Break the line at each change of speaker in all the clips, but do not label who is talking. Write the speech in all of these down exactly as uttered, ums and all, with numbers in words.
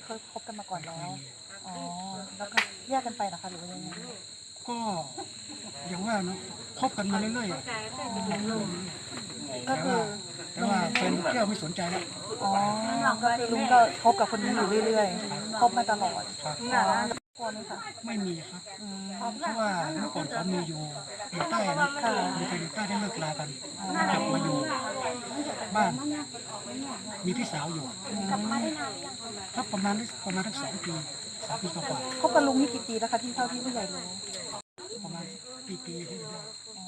เคยคบกันมาก่อนแล้วอ๋อแล้วก็แยกกันไปนะคะหรือว่ายังไง
ก็อย่างว่าเนาะคบกันมาเรื่อยๆอะ
ก็คือ
แต่ว่าแฟนแก้วไม่สนใจแล้ว
อ๋อก็คือลุงก็คบกับคนนี้อยู่เรื่อยๆคบมาตลอด
ครับ
อ๋อกลัวไหมคะ
ไม่มีครับ
อืม
เพราะว่าเมื่อก่อนเขามีอยู่อยู่ใต้นะมีใครอยู่ใต้ได้เลิกลากันกลับมาอยู่บ้านมีพี่สาวอยู่ครับประมาณประมาณทั้งสองปีสามปีกว่า
คบกับลุงนี่กี่ปีแล้วคะที่เท่าที่ผู้ใหญ่รู้
ประมาณปีปีที่ได้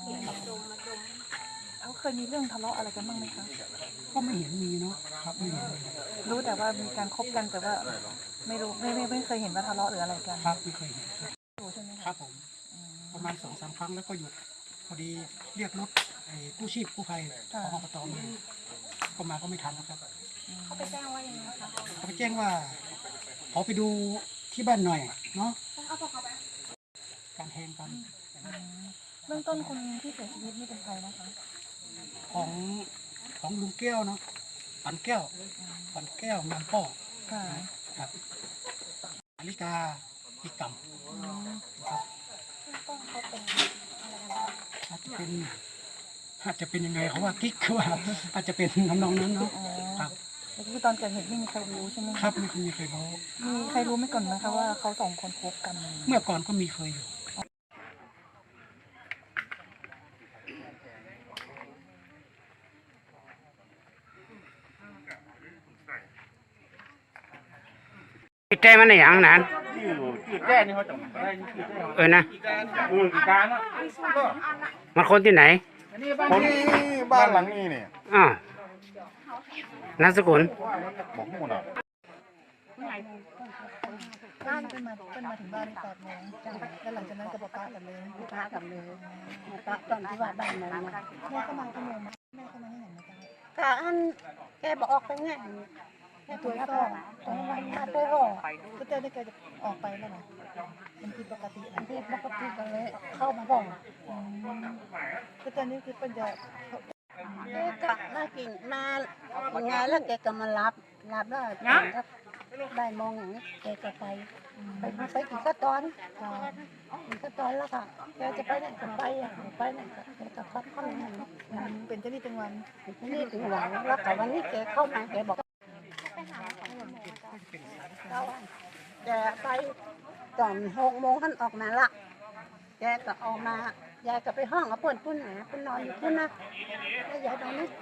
เขาเคยมีเรื่องทะเลาะอะไรกันบ้างไหมคะ
ก็ไม่เห็นมีเนาะครับไม่เห็น
รู้แต่ว่ามีการคบกันแต่ว่าไม่รู้ไม่ไม่ไม่เคยเห็นว่าทะเลาะหรืออะไรกัน
ครับไม่เคยเห็น
รู้ใช่ไหม
ครับผมประมาณสองสามครั้งแล้วก็หยุดพอดีเรียกรถไอ้กู้ชีพกู้ภัยของอบตมาก็มาก็ไม่ทันนะครับ
เขาไปแจ้งว่ายังไงคะ
เขาไปแจ้งว่าขอไปดูที่บ้านหน่อยเนาะการแทงกัน
เบื้องต้นคนที่เสียชีวิตนี่เป็นใครนะคะ
ของของลุงแก้วเนาะปันแก้วปันแก้วงามป้อครับอลิกาอีกำครับอาจจะเป็นอาจจะเป็นยังไงเขาว่ากิ๊กคือว่าอาจจะเป็นทำนองนั้นเนาะครับ
คือตอนเกิดเหตุไม่มีใครรู้ใช่ไหม
ครับไม่มีใครรู้
มีใครรู้ไม่ก่อนนะคะว่าเขาสองคนคบกัน
เมื่อก่อนก็มีเคยอยู่
จีแจ้มันในอย่างนั้น
จีแจ้นี่เขาจะได้จีแจ้
เออนะ
อือกี่การนะ
มันคนที่ไหน
คนที่บ้านหลังนี้เนี่ย
อ๋อนามสกุล
บอกหมู่น่ะ
บ้านเป็นมาเป็นมาถึงบ้านแปดโมงแล้วหลังจากนั้นก็บอกป้ากันเลย
ป้ากันเลยป้าตอนที่ว่าบ้านนั้นนะ
แม่ก็มาขโมยมาแม่ก็มาให้เห็นนะจ๊ะ
ค่ะอันแกบอกออกไปไง
แม่ตัวก็
ตอนวันมาตัวก็
ก็เจอได้แกจะออกไปแล้วนะมันผิดปกติ
อันที่ปกติกันเลยเข้ามาบอก
ก็เจอนี่คือเป็นจะ
แกก็มากินมาอย่างไงแล้วแกก็มารับรับแล้วได้มองอย่างนี้แกก็ไปไปไปกินข้าวตอนกินข้าวตอนแล้วค่ะแกจะไปไหนก็ไปอ่ะไปไหนก็แกก็พักเข้ามา
เป็นเจ้านี่เป็นวัน
นี่ถึงหวังแล้วแต่วันนี้แกเข้ามาแกบอกแกไปตอนหกโมงท่านออกมาละแกก็ออกมายายก็ไปห้องเอาเปิดปุ้นหาปุ้นนอนอยู่ปุ้นนะแล้วยายตอนนี้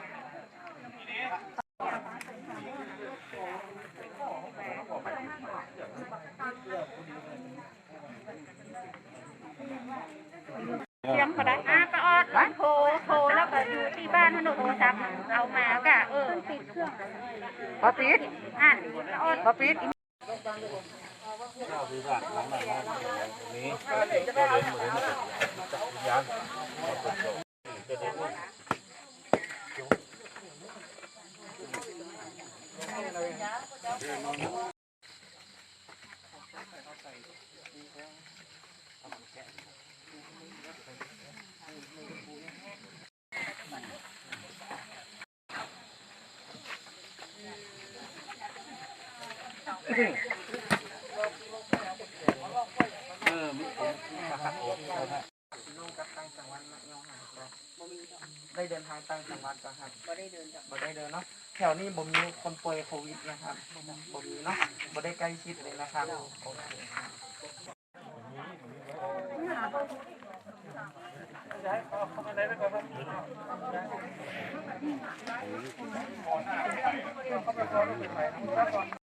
เสียงเขาได้อ่ะป้าออดร้านโทรโทรแล้วก็อยู่ที่บ้านถนนโทรศัพท์เอามากะเออปิดเครื่อง
พอปิด
อ่ะป้าออด
พอปิด
ได้เดินทางต่างจังหวัดก็ครับบ่ได้เดินบ่ได้เดินเนาะแถวนี้บ่มีคนป่วยโควิดนะครับบ่มีเนาะบ่ได้ใกล้ชิดเลยนะครับโอเคครับ